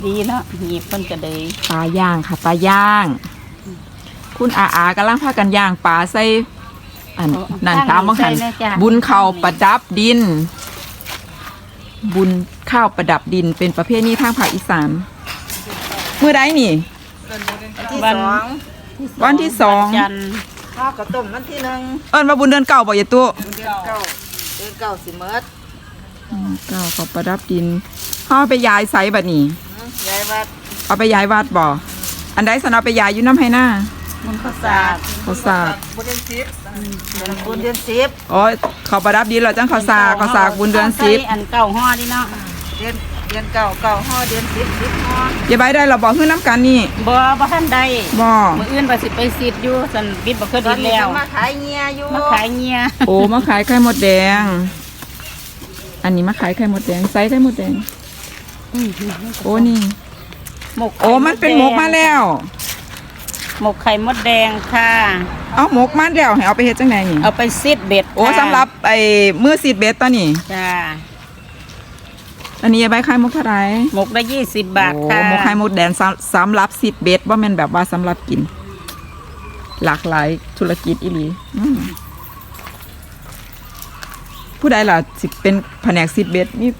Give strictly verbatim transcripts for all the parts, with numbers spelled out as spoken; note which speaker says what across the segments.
Speaker 1: ดีเนาะหยิบมันก็เลย
Speaker 2: ปลาย่างค่ะปลาย่างคุณอาอากำลังพากันย่างปลาใส่อันนั่นตามบังหันบุญข้าวประดับดิน บุญข้าวประดับดินเป็นประเภทนี้ทางภาคอีสานเมื่อใดนี่
Speaker 1: วัน
Speaker 2: วันที่สอง
Speaker 3: ข้าวกระต้มวันที่หนึ่ง
Speaker 2: เอิ้นว่าบุญเดือนเก่าบ่อย่าตัว
Speaker 3: เดือนเก้าเดือนเก้าสิเมิด
Speaker 2: เก้าข้าวประดับดินเขาไปย้ายไซบัดนี้
Speaker 3: ย้ายวัด
Speaker 2: เอาไปย้ายวัดบ่อันใดสนเอาไปย้ายอยู่น้ำให้หน้า
Speaker 3: มันข้าวสาก
Speaker 2: ข้าวสาก
Speaker 3: บุญเดือนสิบบุญเดือนสิบ
Speaker 2: อ๋อข้าวประดับดินเราจังข้าวสากข้าวสากบุญเดือนสิบ
Speaker 1: อันเก่าห่อดิเนาะ
Speaker 3: เดือนเดือนเก้าเก้าห่อเดือนสิบสิบห่อ
Speaker 2: อย่าใบได้เราบอกขึ้นน้ำกันนี่
Speaker 1: บ่บ่ท่านใด
Speaker 2: บ่
Speaker 1: มื้ออื่นว่าสิไปซีดอยู่สันบิดบ่เคยดินแล้ว
Speaker 3: มาขายเงียอยู่
Speaker 1: มาขายเงีย
Speaker 2: โอ้มาขายไข่มดแดงอันนี้มาขายไข่มดแดงไซส์ไข่มดแดงโอ้นี่
Speaker 1: หมก
Speaker 2: โอ้มันเป็นหมกมาแล้ว
Speaker 1: หมกไข่มดแดงค่ะ
Speaker 2: เอาหมกมาแล้วให้เอาไปเฮ็ดจังไดนี่
Speaker 1: เอาไปซีดเบ็ด
Speaker 2: โอ้สำหรับไอ้มือซีดเบ็ดตอนนี้
Speaker 1: จ้า
Speaker 2: อันนี้ใบไข่มดเท่าไหร่
Speaker 1: หมกได้ยี่สิบบาทค่ะ
Speaker 2: โอ้หมกไข่มดแดงสำหรับซีดเบ็ดบ่แม่นแบบว่าสำหรับกินหลากหลายธุรกิจอีหลีผู้ใดล่ะสิเป็นแผนกซีดเบ็ดนี่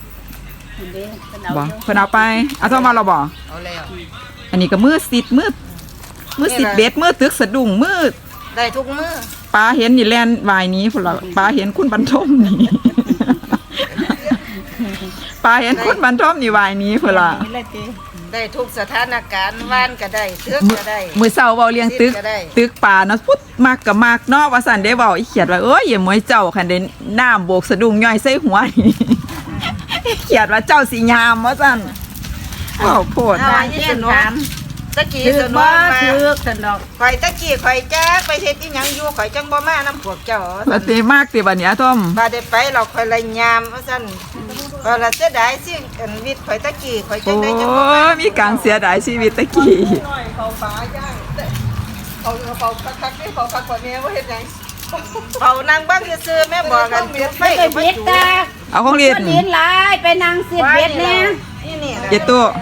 Speaker 2: บ่เพิ่นเอาไปเอาเข้ามาเราบ่
Speaker 3: เอาแล้ว
Speaker 2: อันนี้ก็มือซีดมือมือซีดเบ็ดมือตึกสะดุ้งมือ
Speaker 3: ได้ทุกมือ
Speaker 2: ปลาเห็นนี่แล่นวายนี้พุ่นล่ะปลาเห็นคุณบรรทมนี่ปลาเห็นคุณบรรทมนี่วายนี้พุ่นล่ะ
Speaker 3: ได้ทุกสถานการณ์ว่านก็ได้ตึกก็ได้
Speaker 2: มื้อเช้าเว้าเลี้ยงตึกตึกปลาเนาะพุดมากก็มากเนาะว่าซั่นได้เว้าอีเขียดว่าเอ้ยอย่าหมวยเจ้าคันได้น้ำโบกสะดุ้งย่อยใส่หัวนี่เขียดว่าเจ้าสิยามว่าซั่นเว้าโพด
Speaker 3: ได้ที่สนุกตะกี้สนุกมา
Speaker 1: ถือสนุก
Speaker 3: ข่อยตะกี้ข่อยแจ๊กไปเฮ็ดอีหยังอยู่ข่อยจังบ่มานํพวกเจ้า
Speaker 2: บ่เตมากติบัดนี้อาทอม
Speaker 3: บ่ได้ไปเราข่อยเลยยามว่าซั่นบ่ละเสียดายสิอันวิทย์ข่อยตะกี้ข่อยจังได้จังบ่
Speaker 2: มามีการเสียดายชีวิตตะกี้
Speaker 3: เขาฟ้าย่างเขาเขาคักๆนี่เขาคักกว่าแม่บ่เฮ็ดหยังเขานั่งบ้างซื่อแม่บอกกันจุดไฟ
Speaker 1: ไปเบ็ดตา
Speaker 2: เอาของเรียน
Speaker 1: เรียนหลายไปนั่งสิเบ็ดแน่
Speaker 3: นี่นี่
Speaker 2: เจ็ดตัว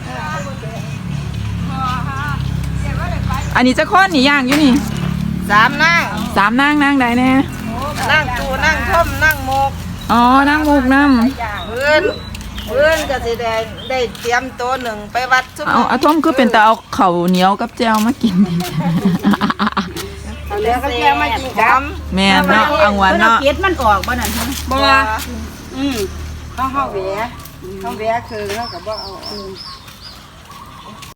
Speaker 2: อันนี้จะค้อนนี่ย่างอยู่นี่
Speaker 3: สามนาง
Speaker 2: สามนางนางใดแน่
Speaker 3: นั่งตูนั่งท่อมนั่งโมก
Speaker 2: อ๋อนั่งโมกน้ำ
Speaker 3: เพื่อนเพื่อนก็สิได้ได้เตรียมตัวหนึ่งไปวัด
Speaker 2: เอาอาทอมคือเป็นแต่เอาเข่าเหนียวกับแจวมากินดิ
Speaker 3: แล้วก็แจวมากินกัน
Speaker 2: แม่เนาะอังวันเนาะ
Speaker 1: เก็ดมันออกบ่นั่นบ่
Speaker 3: อืมเขาเฮาแหวเขาแหวคือเขาก็บ่เอา